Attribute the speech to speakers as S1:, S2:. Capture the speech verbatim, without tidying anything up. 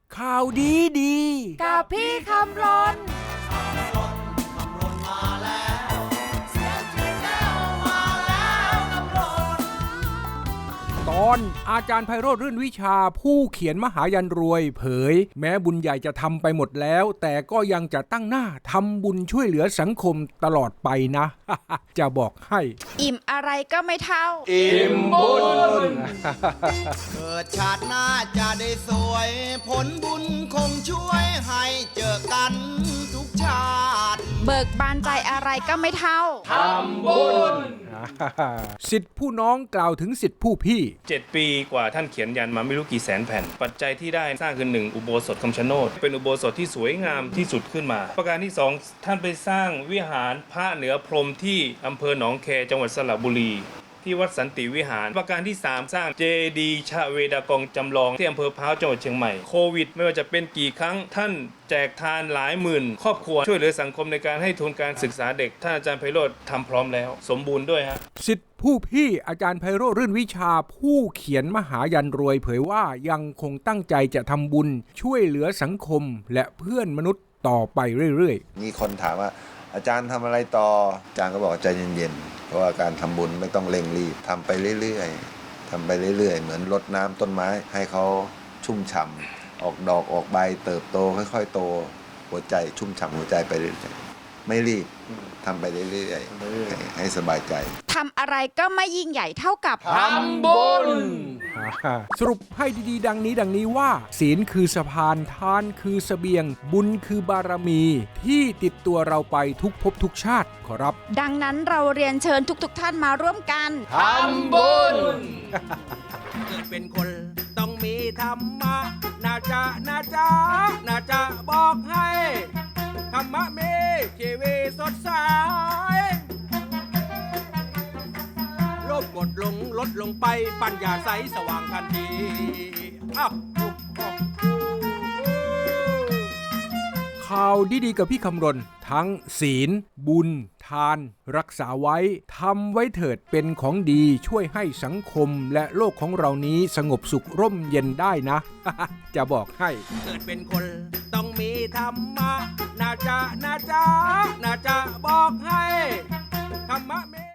S1: ข่าวดีดี
S2: กับพี่คำรน
S1: ตอนอาจารย์ไพโรจน์รื่นวิชาผู้เขียนมหายันรวยเผยแม้บุญใหญ่จะทำไปหมดแล้วแต่ก็ยังจะตั้งหน้าทำบุญช่วยเหลือสังคมตลอดไปนะ จะบอกให้
S2: อิ่มอะไรก็ไม่เท่า
S1: อิ่มบุญ
S3: เกิดชาติหน้าจะได้สวยผลบุญคงช่วยให้เจอกันทุกชาติ
S2: เบิกบานใจอะไรก็ไม่เท่า
S1: ทำบุญสิทธิผู้น้องกล่าวถึงสิทธิผู้พี่
S4: เจ็ดปีกว่าท่านเขียนยันมาไม่รู้กี่แสนแผ่นปัจจัยที่ได้สร้างคือหนึ่งอุโบสถคำชะโนดเป็นอุโบสถที่สวยงามที่สุดขึ้นมาประการที่สองท่านไปสร้างวิหารพระเหนือพรหมที่อำเภอหนองแคจังหวัดสระบุรีที่วัดสันติวิหารประการที่สามสร้างเจดีย์ชเวดากองจำลองที่อำเภอพร้าวจังหวัดเชียงใหม่โควิดไม่ว่าจะเป็นกี่ครั้งท่านแจกทานหลายหมื่นครอบครัวช่วยเหลือสังคมในการให้ทุนการศึกษาเด็กท่านอาจารย์ไพโรจน์ทำพร้อมแล้วสมบูรณ์ด้วยฮะ
S1: สิทธิผู้พี่อาจารย์ไพโรจน์รื่นวิชาผู้เขียนมหายันรวยเผยว่ายังคงตั้งใจจะทำบุญช่วยเหลือสังคมและเพื่อนมนุษย์ต่อไปเรื่อย
S5: ๆมีคนถามว่าอาจารย์ทำอะไรต่ออาจารย์ก็บอกใจเย็นๆเพราะว่าการทำบุญไม่ต้องเร่งรีบทำไปเรื่อยๆทำไปเรื่อยๆเหมือนรดน้ำต้นไม้ให้เขาชุ่มฉ่ำออกดอกออกใบเติบโตค่อยๆโตหัวใจชุ่มฉ่ำหัวใจไปเรื่อยๆไม่รีบทำไปเรื่อยๆให้สบายใจ
S2: ทำอะไรก็ไม่ยิ่งใหญ่เท่ากับ
S1: ทำบุญสรุปให้ดีๆดังนี้ดังนี้ว่าศีลคือสะพานทานคือเสบียงบุญคือบารมีที่ติดตัวเราไปทุกภพทุกชาติขอรับ
S2: ดังนั้นเราเรียนเชิญทุกๆท่านมาร่วมกัน
S1: ทำบุญ
S6: เกิดเป็นคนต้องมีธรรมะน่าจะน่าจะน่าจะบอกให้ธรรมะมีชีวิตสดใสโลภกดลงลดลงไปปัญญาใสสว่างทันทีอ้าว
S1: ข่าวดีๆกับพี่คำรณทั้งศีลบุญทานรักษาไว้ทำไว้เถิดเป็นของดีช่วยให้สังคมและโลกของเรานี้สงบสุขร่มเย็นได้นะ จะบอกให้
S6: เกิดเป็นคนต้องมีธรรมะน่าจะน่าจะน่าจะบอกให้ธรรมะ